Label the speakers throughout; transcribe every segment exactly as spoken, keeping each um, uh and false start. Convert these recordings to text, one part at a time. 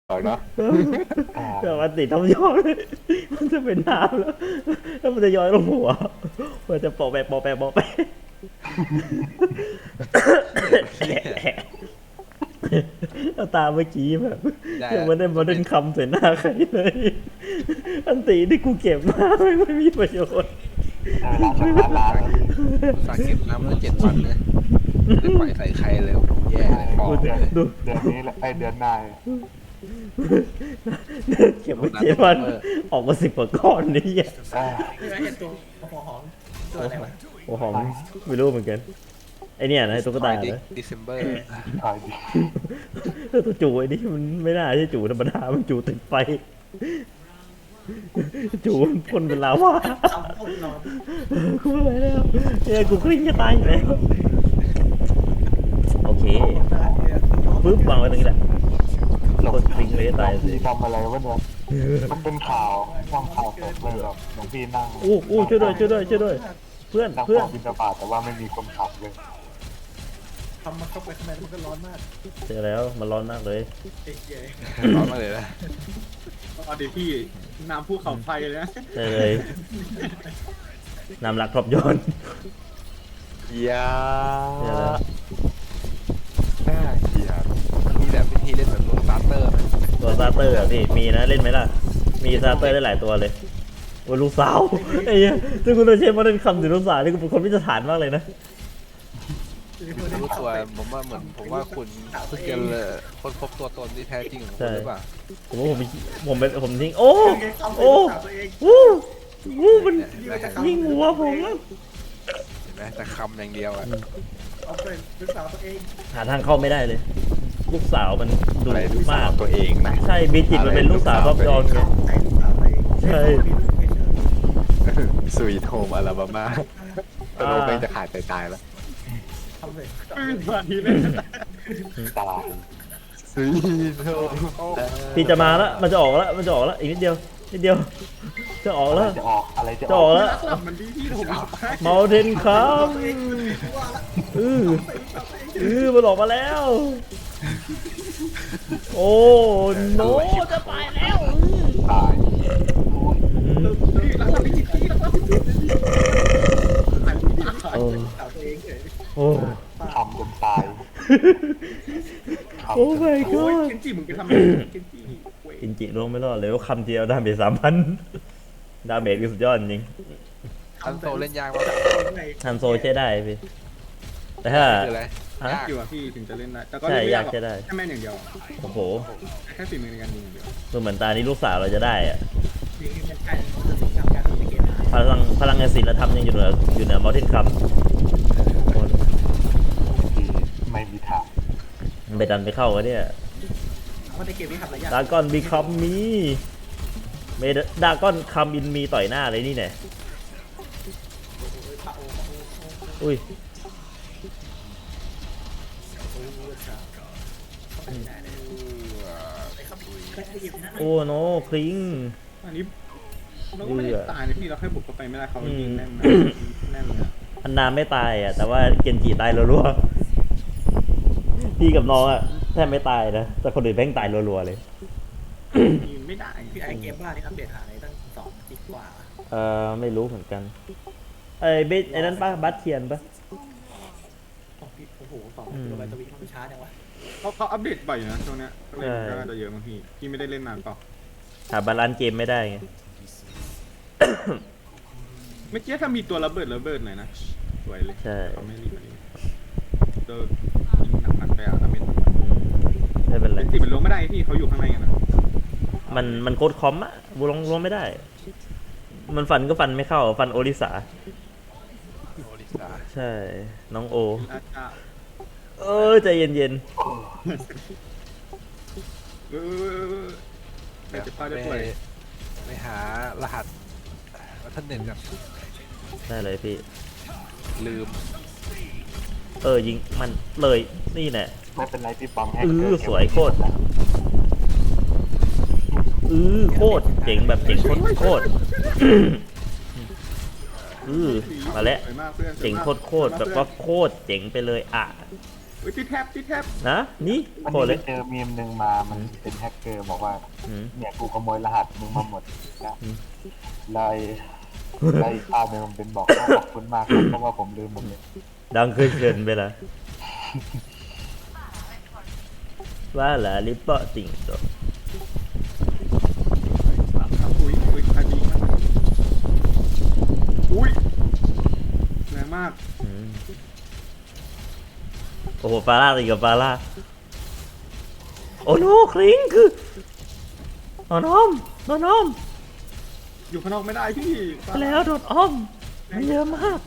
Speaker 1: เอาเนาะ
Speaker 2: แต่มันติดท้องย้อยมันจะเป็นน้ำแล้วแล้วมันจะย้อยลงหัวมันจะปอกแปะปอกแปะปอกแปะแล้วตาเมื่อกี้แบบยังไม่ได้มาเดินคำใส่หน้าใครเลยอันตีที่กูเก็บมาไม่ไม่มีประโยชน์
Speaker 1: สาเก็บน้ำมาเจ็ดวันเลยไม่ปล่อยใส่ใครเลยแย่เลยฟองเลย
Speaker 2: ดู
Speaker 3: เดือนนี้แหละไอเดือนหน้า
Speaker 2: เก็บมาเจ็ดวันออกมาสิบกว่าก้อนนี่อ่ะ
Speaker 4: ไม่ใช่เห็นตัวหัวหอมตัวอะไรวะ
Speaker 2: โอ้หอมไม่รู้เหมือนกันไอเนี่ยนะตุ๊กตา
Speaker 1: ดิ
Speaker 2: นะ
Speaker 1: ดิเซมเบอร์
Speaker 3: ขายดี
Speaker 2: ตัวจูไอ้นี่มันไม่น่าใช่จูธรรมดามันจูติดไฟจูมันพ่นเป็นลาวา
Speaker 4: คำพูดนอน
Speaker 2: กูไม่ไหวแล้วเนี่ยกูกลิ้งจะตายอยู่แล้วโอเคปึ๊บวางไว้ตรงนี้แหละกดกลิ้งเลยจะตาย
Speaker 3: พี่ทำอะไรวะเนี่ยมันเป็นข่าวทำข่าวสดเลยแบบหลวงพี่นั่ง
Speaker 2: โอ้โอ้ช่วยด้วยช่วยด้วยช่วยด้วยเพื่อน
Speaker 3: นั่ง
Speaker 2: เพื่อน
Speaker 3: ฟังบิณฑบาตแต่ว่าไม่มีคนขับเลย
Speaker 4: ทำมาเข้าไปข้างในมันก็ร้อนมาก
Speaker 2: เจอแล้วมันร้อนมากเลย
Speaker 4: เอ๊ะเย้
Speaker 1: ร้อนมาเลยนะ
Speaker 4: เอาเดี๋ยวพี่น้ำภูเขาไฟเลยนะ
Speaker 2: เจอเลยนำหลักครอบย้อน
Speaker 1: ยา
Speaker 2: เจอแล้ว
Speaker 1: น่าเกลียดมีแบบวิธีเล่นแบบตัวสตาร์เตอร์ไหม
Speaker 2: ตัวซาเตอร์อะพี่มีนะเล่นไหมล่ะมีซาเตอร์ได้หลายตัวเลยโอ้ลูกสาวไอ้เหี้ยถ้าคุณโดนเชฟมาเล่นคำถึงลูกสาวนี่กูเป็นคนพิจารณามากเลยนะ
Speaker 1: รู้ตัวผมว่าเหมือนผมว่าคุณเพิ่งจะคนพบตัวตนที่แท้จริงของคุณหรือเปล่า
Speaker 2: ผมว่าผมผมเป็นผมทิ้งโอ้
Speaker 4: โอ้
Speaker 2: โอ้
Speaker 4: ตัวเอง
Speaker 2: วู้วู้มันยิงหัวผมอะ
Speaker 1: เห็นไหมแต่คำอย่างเดียวอะ
Speaker 4: เอาไปลูกสาวตัวเอง
Speaker 2: หาทางเข้าไม่ได้เลย ลูกสาวมันดุ
Speaker 1: อะไรลูกสาม
Speaker 2: าว ก
Speaker 1: ตัวเองนะ
Speaker 2: ใช่บีจิตมันเป็นลูกสาวรอบยอนไง
Speaker 4: ใช้ลูกสาวตัวเอง
Speaker 2: ใช่
Speaker 1: สวีทโฮมอลาบามาตโลกจะขาดใจตายแล้ว
Speaker 4: ทำเลยตอนนี้เลย
Speaker 3: ตลาด
Speaker 1: สวีทโฮม
Speaker 2: พี่จะมาแล้วมันจะออกแล้วมันจะออกแล้วอีกนิดเดียวนิดเดียวจะออกแล้ว
Speaker 3: จะออกอะไรจะ
Speaker 2: จะ
Speaker 3: อ
Speaker 2: อ
Speaker 3: อ
Speaker 2: อก กแล้ว
Speaker 4: มันดีที่ผมเอาไป
Speaker 2: เมาเทนครับอืออือมันออกมาแล้ว โอ้โนจะไปแล้ว
Speaker 3: ตาย
Speaker 4: พี่รักพี่จิตพี่รักพี่จิตถ่ายรูปที่ถ่ายลูกสาวตัวเองเฉย
Speaker 2: โอ้
Speaker 3: ทำจนตาย
Speaker 2: โอ้ my
Speaker 4: โอ้ย
Speaker 2: god
Speaker 4: เคนจิมึงไปทำอะไรเคนจิเว้ย
Speaker 2: อินจิลงไม่รอดเลยว่าคำเดียวดาเมจสามพันดาเมจคือสุดยอดจริง
Speaker 1: อันโซเล่นยากมาก
Speaker 2: ฮันโซใช้ได้พี่แต่ถ้า
Speaker 1: คืออะไร
Speaker 2: ฮะ
Speaker 1: ยาก
Speaker 4: อยู่อะพี่ถึงจะเล่นได้แต่ก็
Speaker 2: ใช่
Speaker 4: เล่นไม่
Speaker 2: ยากใช้ได้
Speaker 4: แค่แม่นอย่างเดียว
Speaker 2: โอ้โห
Speaker 4: แค่ฝีมือในการยิงอย่างเดียว
Speaker 2: ดูเหมือนตานี้ลูกสาวเราจะได้อะ
Speaker 4: ยิงเป็นใช่ทำการทำเกม
Speaker 2: พลังพลังงานศิลธรรมยังอยู่เหนืออยู่เหนือมอร์เทนคัม
Speaker 3: ไม่มีทาง
Speaker 2: มันไปดันไปเข้ากันเนี่ย
Speaker 4: เพราะในเกมนี้ทำหลายอย่าง
Speaker 2: ดากอนบีคัมมีเมดากอนคัมอินมีต่อยหน้าเลยนี่เนี่ยอุ้ยโอ้โนคลิง
Speaker 4: อันนี้เราก็ไม่ได้ตายนะพี่เราแค่บุกเข้าไปไม่ได้เขายิงแน่นแน่นเลย
Speaker 2: อันนาไม่ตายอ่ะแต่ว่าเกนจิตายรัวๆพี่กับน้องอ่ะแทบไม่ตายนะแต่คนอื่นแม่งตายรัวๆเลย
Speaker 4: ไม่ได้พี่ไอเกมบ้านี่อัปเดตหาในตั้งสองปีกว่า
Speaker 2: เออไม่รู้เหมือนกันไอ้เบสไอ้นั้นปะบัตเทียนปะ
Speaker 4: สองปีโอ้โหสองกิโลไบต์ต่อวิมันช้าจังวะ
Speaker 5: เขาเขาอัปเดตบ่อยอยู่นะช่วงเนี้ยก็เลยก็น่าจะเยอะมั้งพี่พี่ไม่ได้เล่นนานเปล่า
Speaker 2: หาบาลานซ์เกมไม่ได้ไง
Speaker 5: เมื่อกี้ถ้ามีตัวระเบิดระเบิดหน่อยนะสวยเลย
Speaker 2: ใช่
Speaker 5: เขาไม่รีบมาดีเจอยิงหนักๆไปอ่ะดาเมจ
Speaker 2: อืมไม่เป็นไร
Speaker 5: เป็นสิมันลงไม่ได้พี่เขาอยู่ข้างในกันนะ
Speaker 2: มันมันโคตรคอมอะบูลงลงไม่ได้ มันฟันก็ฟันไม่เข้าฟันโอริสา
Speaker 1: โอริสา
Speaker 2: ใช่น้องโอ
Speaker 5: อาจจะ
Speaker 2: เออใจเย็น
Speaker 5: เออแต่จะพลาดได้
Speaker 1: ไป
Speaker 5: ป่วย
Speaker 1: ไปหารหัสวัฒนเน็ตกัน
Speaker 2: ๆได้เลยพี่
Speaker 1: ลืม
Speaker 2: เออยิงมันเลยนี่แน่
Speaker 3: ไม่เป็นไรพี่ปั๊มให้
Speaker 2: เออสวยโคตร เออโคตรเจ๋งแบบเจ๋งโคตรโคตรเออมาแล้ว
Speaker 5: สวยมากเพื่อน
Speaker 2: เจ๋งโคตรโคตรแบบว่าโคตรเจ๋งไปเลยอ่ะ
Speaker 5: เฮ้ยติดแทบติดแทบ
Speaker 2: นะนี่
Speaker 3: วัน
Speaker 2: โคตรเล
Speaker 3: นี้
Speaker 2: ย
Speaker 3: เจอมีมหนึ่งมามันเป็นแฮกเกอร์บอกว่า
Speaker 2: อืม
Speaker 3: เนี่ยกูขโมยรหัสมึงมาหมดนะ
Speaker 2: อืม
Speaker 3: ไล่ไล่ภาพหนึ่งมันเป็นบอกว่าขอบคุณมากครับเพราะว่าผมลืมหมดเลย
Speaker 2: ดังขึ้นเกินไปละว่าละลิปเปอร์ติ่งตัว
Speaker 5: อุ้ยอุ้ยใครมีอุ้ยแรงมาก
Speaker 2: อืมโอ้โหฟาร่าตีกับฟาร่าโอ้โนคลิงคือโดนอ้อมโดนอ้อม
Speaker 5: อยู่ข้างนอกไม่ได้พี่
Speaker 2: ไปแล้วโดนอ้อมมันเยอะมาก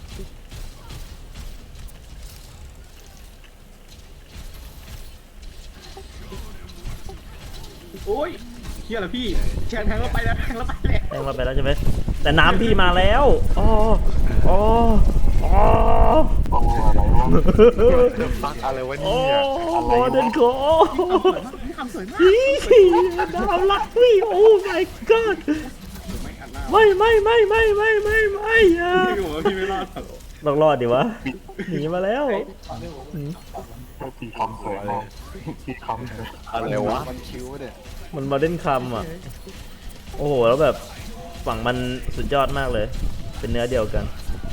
Speaker 5: โอ้ยเฮียเหรอพี่แทงแทงเราไปแล้วแทงเราไปแล้ว
Speaker 2: แทงมาไปแล้วใช่ไหมแต่น้ำพี่มาแล้วอ๋ออ๋ออ๋อ
Speaker 3: โอ้อะไรวะ
Speaker 1: ฟังอะไรวะ
Speaker 2: โอ้
Speaker 1: เนี่ย
Speaker 2: โมเดิร์นโก
Speaker 5: พี่ทำสวยมาก
Speaker 2: พี่ดาวลักพี่โอ้ my god
Speaker 5: ไม่อัดหน้า
Speaker 2: ไม่ไม่ไม่ไม่ไม่ไม่ไม่อย่า
Speaker 5: พี่บอกว่าพี่ไม่รอดหรอก
Speaker 2: ต้องรอดดิวะหนีมาแล้วอืม
Speaker 3: ทีคอมสวยมากทีคอมสวย
Speaker 1: อะไรวะมันคิ้วเนี่ย
Speaker 2: มันมาเล่นคำอ่ะโอ้โหแล้วแบบฝั่งมันสุดยอดมากเลย เป็นเนื้อเดียวกัน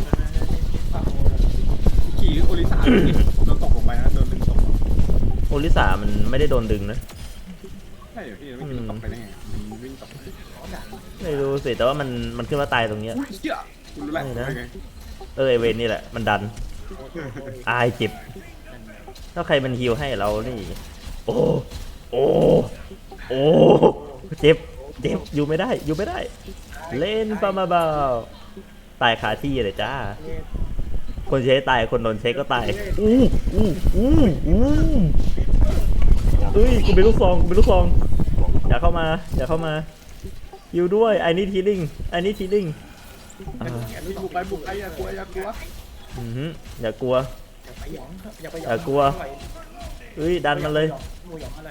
Speaker 5: ขี่โอริสาโดนตกลงไปนะโดนดึงตก
Speaker 2: โอลิสามันไม่ได้โดนดึงนะ
Speaker 5: ใช่เหรอพี่ไม่คิดว่าตกไปได้ไงมันวิ่งตกไป
Speaker 2: ไม่รู้สิแต่ว่ามันมันขึ้นมาตายตรงเนี้ย
Speaker 5: อุ้ยเชี่ยคุณรู้แล้ว
Speaker 2: ไม่นะ
Speaker 5: เป็นไง
Speaker 2: เออไอเวนนี่แหละมันดันอายเจ็บถ้าใครมันฮิวให้เรานี่โอ้โอ้โอ้เจ็บเจ็บอยู่ไม่ได้อยู่ไม่ได้ เล่นปามาเบาตายคาที่เลยจ้า คนใช้ตายคนโดนเช็คก็ตายอู้อู้อู้อู้เอ้ยกูเป็นลูกซองกูเป็นลูกซองอย่าเข้ามาอย่าเข้ามาฮิวด้วยไอ้นี่ทีลิงไอ้นี่ทีลิงอ่า
Speaker 5: นี่บุกไปบุกไปอย่ากลัวอย่ากลัว
Speaker 2: อือหืออย่ากลัว
Speaker 4: ไปหยองอย่าไปหยอง
Speaker 2: อย่ากลัว เอ้ยดันมันเลย
Speaker 4: หมูหยองอะไร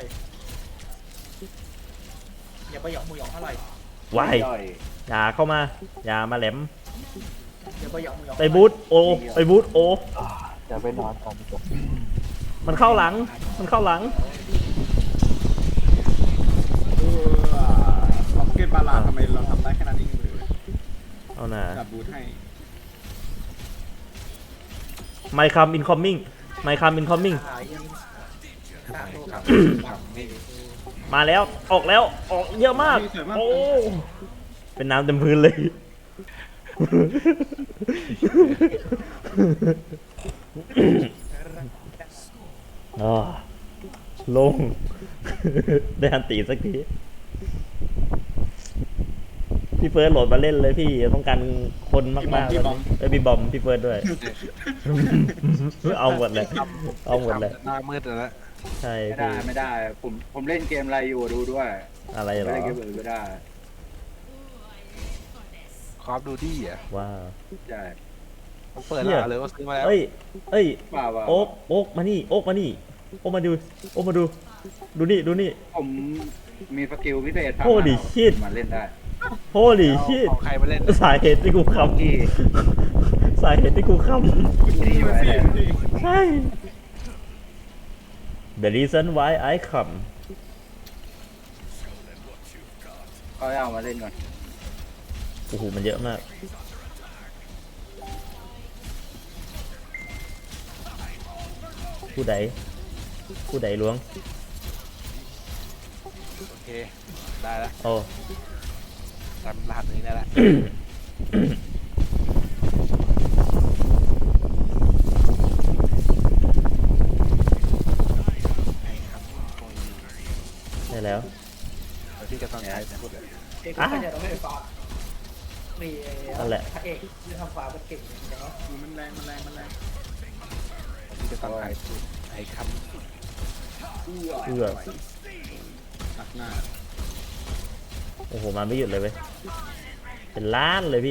Speaker 4: อย่าไปหยองหมูหยองอะไร
Speaker 2: วายอย่าเข้ามาอย่ามาแหลม
Speaker 4: อย่าไปหยองหมูหยอง
Speaker 2: ไปบูทโอไปบูทโอ
Speaker 3: อ่าจะไปนอนก่อนดีกว่า
Speaker 2: มันเข้าหลังมันเข้าหลัง
Speaker 5: เออล็อกเก็ตบาลาทำไมเราทำได้แค่นั้นเองเลย
Speaker 2: เอาหน่า
Speaker 5: จับบูทให้
Speaker 2: ไมค์คัมอินคอมมิ่งไมค์คัมอินคอมมิ่ง
Speaker 4: หายยังตามตัวครับ
Speaker 2: มาแล้วออกแล้วออกเยอะมากโอ้เป็นน้ำเต็มพื้นเลย อ๋อลง ได้อันตีสักที พี่เฟิร์สโหลดมาเล่นเลยพี่ต้องการคนมากๆเลยเอ้ยพี่บอมพี่เฟิร์สด้วย เอาหมดเลยเอาหมดเลย
Speaker 1: หน้ามืดแล้ว
Speaker 2: ใช่
Speaker 6: ไม่ได้
Speaker 2: พี่
Speaker 6: ไม่ได้ผมผมเล่นเกมอะไรอยู่ดูด้วย
Speaker 2: อะไรเหร
Speaker 6: ไม่
Speaker 2: อ
Speaker 6: เล่นเกมอื่นไม่ได้
Speaker 1: คอฟดูดี้อ่ะ
Speaker 2: ว้าว
Speaker 6: ใช่
Speaker 1: มันเปิด
Speaker 2: เนี่ย
Speaker 1: แล้วเลยว่าซื้อมาแล้ว
Speaker 2: เอ้ยเอ้ย
Speaker 6: ว่าว่า
Speaker 2: โอ๊กโอ๊กมานี่โอ๊กมานี่โอ๊กมาดูโอ๊กมาดู ดูนี่ดูนี่
Speaker 6: ผมมีสกิลพิเศษ
Speaker 2: โอ้ดิ shit
Speaker 6: มาเล่นได้
Speaker 2: โฮลี่ชิต
Speaker 1: ของใครมาเล่น
Speaker 2: สาเหตุที่กูคำสาเหตุที่กูค
Speaker 5: นี่มาสิพี่
Speaker 2: ำใช่ The reason why I come
Speaker 6: เขาเอามาเล่นก่อน
Speaker 2: โอ้โหมันเยอะมาก ผู้ใด ผู้ใดล้วง
Speaker 1: โอเคได้แล้ว
Speaker 2: โอ้
Speaker 1: จำรหัสนี้ได้แล้ว
Speaker 2: ได้แล้ว
Speaker 1: เดี๋ยวพี่จะต้องใช้พูดเลย
Speaker 4: เอกก็จะต้องไปฟาร์มมี
Speaker 2: นั่นแหละ
Speaker 4: พระเอกที่ทำฟาร์มมันเก่งจริงๆเนาะ
Speaker 5: มันแรงมันแรงมันแรง
Speaker 1: พี่จะต้องใช้พูดไอ้ค
Speaker 2: เอื้อ
Speaker 5: ตัดหน้า
Speaker 2: โอ้โห มาไม่หยุดเลยเว้ย เป็นล้านเลยพี่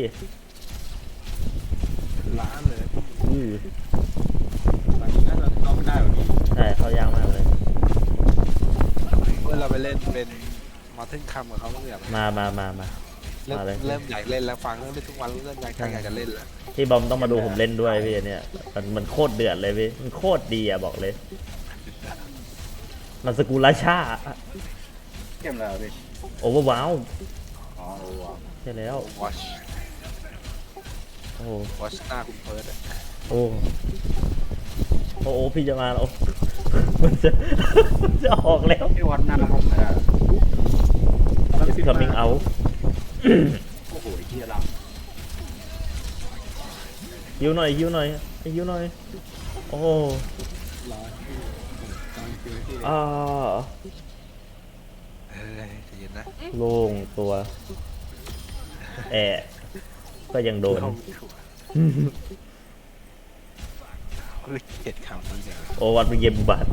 Speaker 1: ำล้านเลย
Speaker 2: อือ
Speaker 5: ตอนนี้น่าจะเอาไม่ได้หรอกพี่
Speaker 2: ใช่เขายากมากเลย
Speaker 1: เมื่อเราไปเล่นเป็นมาทึ่งคำกับเขาเมื่อไหร่
Speaker 2: มามามามา
Speaker 1: เริ่ม
Speaker 2: มาเลย
Speaker 1: เริ่มอยากเล่นแล้วฟังเรื่องเล่นทุกวันเริ่มอยากอยากจะเล่นแล้ว
Speaker 2: พี่บอมต้องมาดูผมเล่นด้วยพี่เนี่ยมันมันโคตรเดือดเลยพี่มันโคตรดีอะบอกเลย มันสกุลราชา
Speaker 6: เกมอะไรอ่ะพี่
Speaker 2: โอเวอร์ว้าว
Speaker 6: อ๋อเออว่ะ
Speaker 2: ใช่แล้ว
Speaker 1: วอช
Speaker 2: โอ้
Speaker 1: วอชหน้าคุณเพิร์ดอะ
Speaker 2: โอ้โอ้โอ้พี่จะมาแล้ว มันจะ มันจะออกแล้ว
Speaker 6: พี่วัดหน้าผมไม่ได้
Speaker 2: It's coming out
Speaker 6: โอ้โหไอ้เหี้ยหลัง
Speaker 2: ฮิวหน่อยฮิวหน่อยฮิวหน่อยโอ้
Speaker 5: ร้อยพี่ผมตามคิวให้พี่
Speaker 2: อ่า
Speaker 1: เฮ้ยใจเย็นนะ
Speaker 2: โล่งตัวแอะก็ยังโดน
Speaker 1: เข้าไม่ถูกเฮ้ยเกลียดคำนี้เลย
Speaker 2: โอวัดเป็นเกมบัตร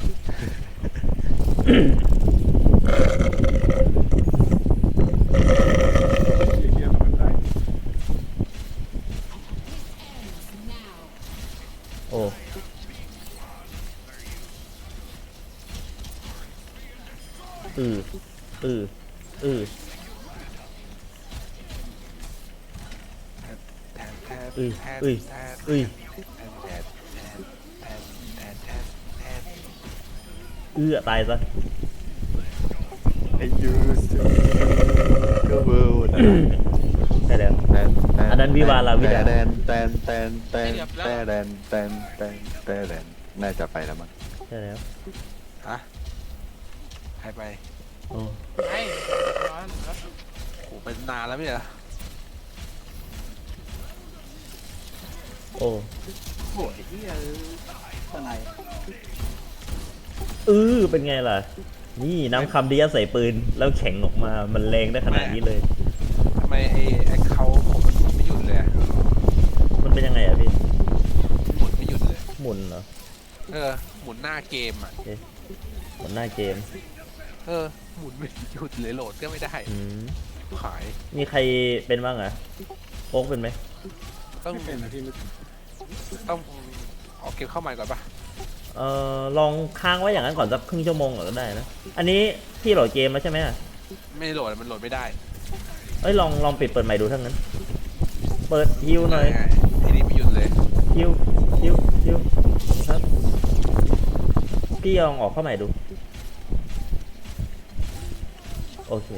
Speaker 5: เฮียทำอะไร
Speaker 2: โอ้อืออืออือ
Speaker 1: แทนแทน
Speaker 2: อุ้ย
Speaker 1: แทน
Speaker 2: อุ้ย
Speaker 1: แทน
Speaker 2: อุ้ย
Speaker 1: แทนแทนแทนแทนแทนแทน
Speaker 2: เอื้อตายซะ
Speaker 3: ไอ้ยูสก็เวิลด์
Speaker 2: ใช่แล้ว อันนั้นวิวาลาวิดา
Speaker 3: แตนแตนแตนแตนแตนแตนแตนแตนแตนแตนน่าจะไปแล้วมั้ง
Speaker 2: ใช่แล้ว
Speaker 1: ฮะใครไป
Speaker 2: โอ้
Speaker 7: ไม่ร้อนแล้ว
Speaker 1: โหเป็นนานแล้วไม่ใช่เหรอ
Speaker 2: โอ้
Speaker 6: โอ้โหไอ้เหี้ยข้างใน
Speaker 2: เออเป็นไงล่ะ นี่น้ำคำดีใส่ปืนแล้วแข็งออกมามันแรงได้ขนาดนี้เลย
Speaker 1: ทำไมไอ้ไอ้เขาผมมันหมุนไม่หยุดเลยอะ
Speaker 2: มันเป็นยังไงอ่ะพี่
Speaker 1: หมุนไม่หยุดเลย
Speaker 2: หมุนเหรอ
Speaker 1: เออหมุนหน้าเกมอ่ะ
Speaker 2: หมุนหน้าเกม
Speaker 1: เออหมุนไม่หยุดเลยโหลดก็ไม่ได้
Speaker 2: อืม
Speaker 1: ขาย
Speaker 2: มีใครเป็นบ้างอ่ะโอ๊กเป็นไหม
Speaker 1: ต้อง
Speaker 5: ไม่เป็นนะพี่ไม่เป็น
Speaker 1: ต้องออกเกมเข้าใหม่ก่อนปะ
Speaker 2: เอ่อลองค้างไว้อย่างนั้นก่อนสักครึ่งชั่วโมงก่อนก็ได้นะ อันนี้พี่โหลดเกมแล้วใช่ไหมอ่ะ
Speaker 1: ไม่โหลดมันโหลดไม่ได้
Speaker 2: เอ้ยลองลองปิดเปิดใหม่ดูทั้งนั้น เปิดฮิวหน่อย
Speaker 1: ไอ้นี่ไม่หยุดเลย
Speaker 2: ฮิวฮิวฮิวครับพี่ลองออกเข้าใหม่ดู โอเค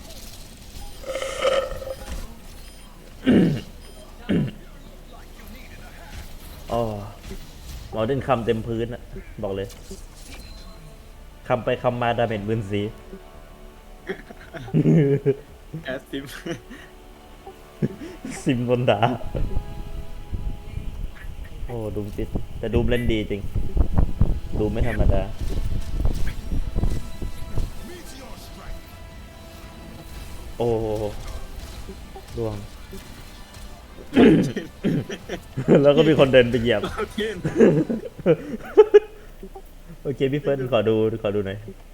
Speaker 2: อ๋อหมอเดินคำเต็มพื้นอะบอกเลยคำไปคำมาดาเมจบืนสี
Speaker 5: แอสซิม
Speaker 2: ซิมบนดา โอ้ดูมติดแต่ดูมเล่นดีจริง ดูไม่ธรรมดา โอ้ดวง แล้วก็มีคนเดินไปเหยียบ
Speaker 5: เอาเทียน
Speaker 2: โอเค พี่เฟิร์นขอดูขอดูหน่อย